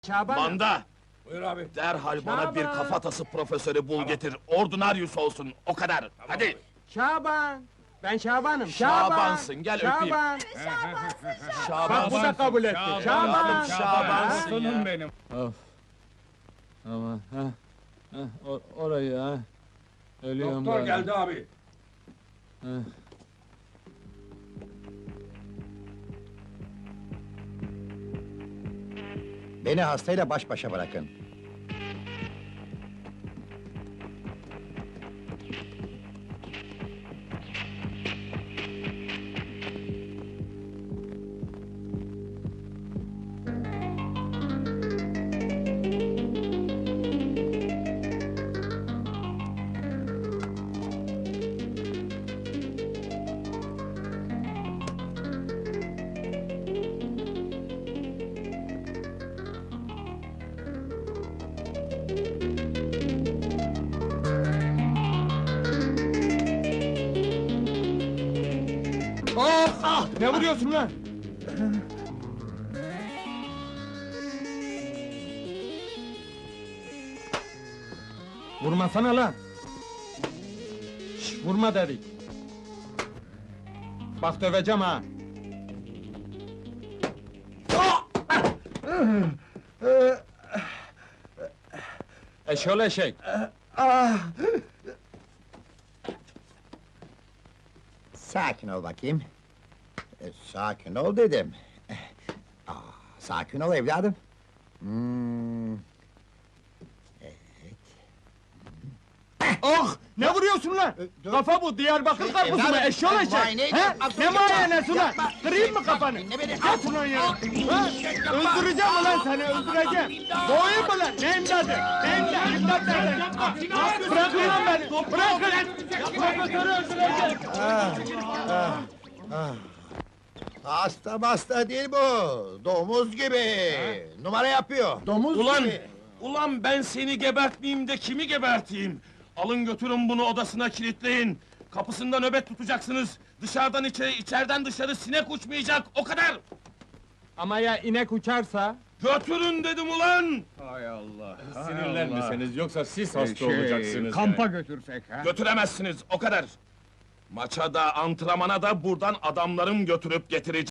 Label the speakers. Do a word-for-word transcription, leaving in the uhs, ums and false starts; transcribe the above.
Speaker 1: Şaban.
Speaker 2: Manda!
Speaker 3: Buyur abi.
Speaker 2: Derhal bana bir
Speaker 1: Şaban!
Speaker 2: kafatası profesörü bul getir, ordinaryus olsun, o kadar! Hadi!
Speaker 1: Şaban. Ben Şaban'ım.
Speaker 2: Şabansın, gel öpeyim.
Speaker 1: Şaban.
Speaker 2: Şaban!
Speaker 1: Bak bu da kabul etti. Şaban.
Speaker 2: Şabansın
Speaker 3: Aslanım benim.
Speaker 4: Of! Ama ha, ha or- orayı ha. Ölüyorum
Speaker 3: Doktor
Speaker 4: ben.
Speaker 3: geldi abi.
Speaker 4: Ha.
Speaker 5: Beni hastayla baş başa bırakın.
Speaker 1: Of! Ah! Ne vuruyorsun lan? Vurmasana lan! Şş, vurma dedik! Bak döveceğim ha! Eşol eşek!
Speaker 5: Sakin ol bakayım. E, sakin ol dedim. Eh, Aa, sakin ol evladım. Hmm.
Speaker 1: Oh! Ne vuruyorsun lan?
Speaker 5: dur.
Speaker 1: Kafa bu, Diyarbakır karpuzu mu?
Speaker 5: Evladım,
Speaker 1: Eşol eşek!
Speaker 5: muayene
Speaker 1: He?
Speaker 5: yapma, dur,
Speaker 1: Ne
Speaker 5: yapma,
Speaker 1: muayenesi ulan?
Speaker 5: yapma.
Speaker 1: Kırayım mı kafanı?
Speaker 5: Dinle beni.
Speaker 1: Yat ulan ya! Ha? Öldüreceğim ulan seni, öldüreceğim! Boğayım mı lan? Ne imdadı? Ne imdadı? İmdat nereden? Bırakın lan beni! Bırakın! Profesörü öldüreceğim!
Speaker 5: Hasta hasta değil bu. Domuz gibi. Numara yapıyor. Domuz
Speaker 2: Ulan!
Speaker 5: gibi.
Speaker 2: Ulan ben seni gebertmeyeyim de kimi geberteyim? Alın götürün bunu odasına kilitleyin! Kapısında nöbet tutacaksınız! Dışarıdan içeri, içeriden dışarı sinek uçmayacak, o kadar!
Speaker 1: Ama ya inek uçarsa?
Speaker 2: Götürün dedim ulan!
Speaker 3: Hay Allah.
Speaker 4: Sinirlenmeseniz yoksa siz
Speaker 3: Şey,
Speaker 4: hasta olacaksınız.
Speaker 3: kampa götürsek ha?
Speaker 2: Götüremezsiniz, o kadar! Maça da, antrenmana da buradan adamlarım götürüp getirecek.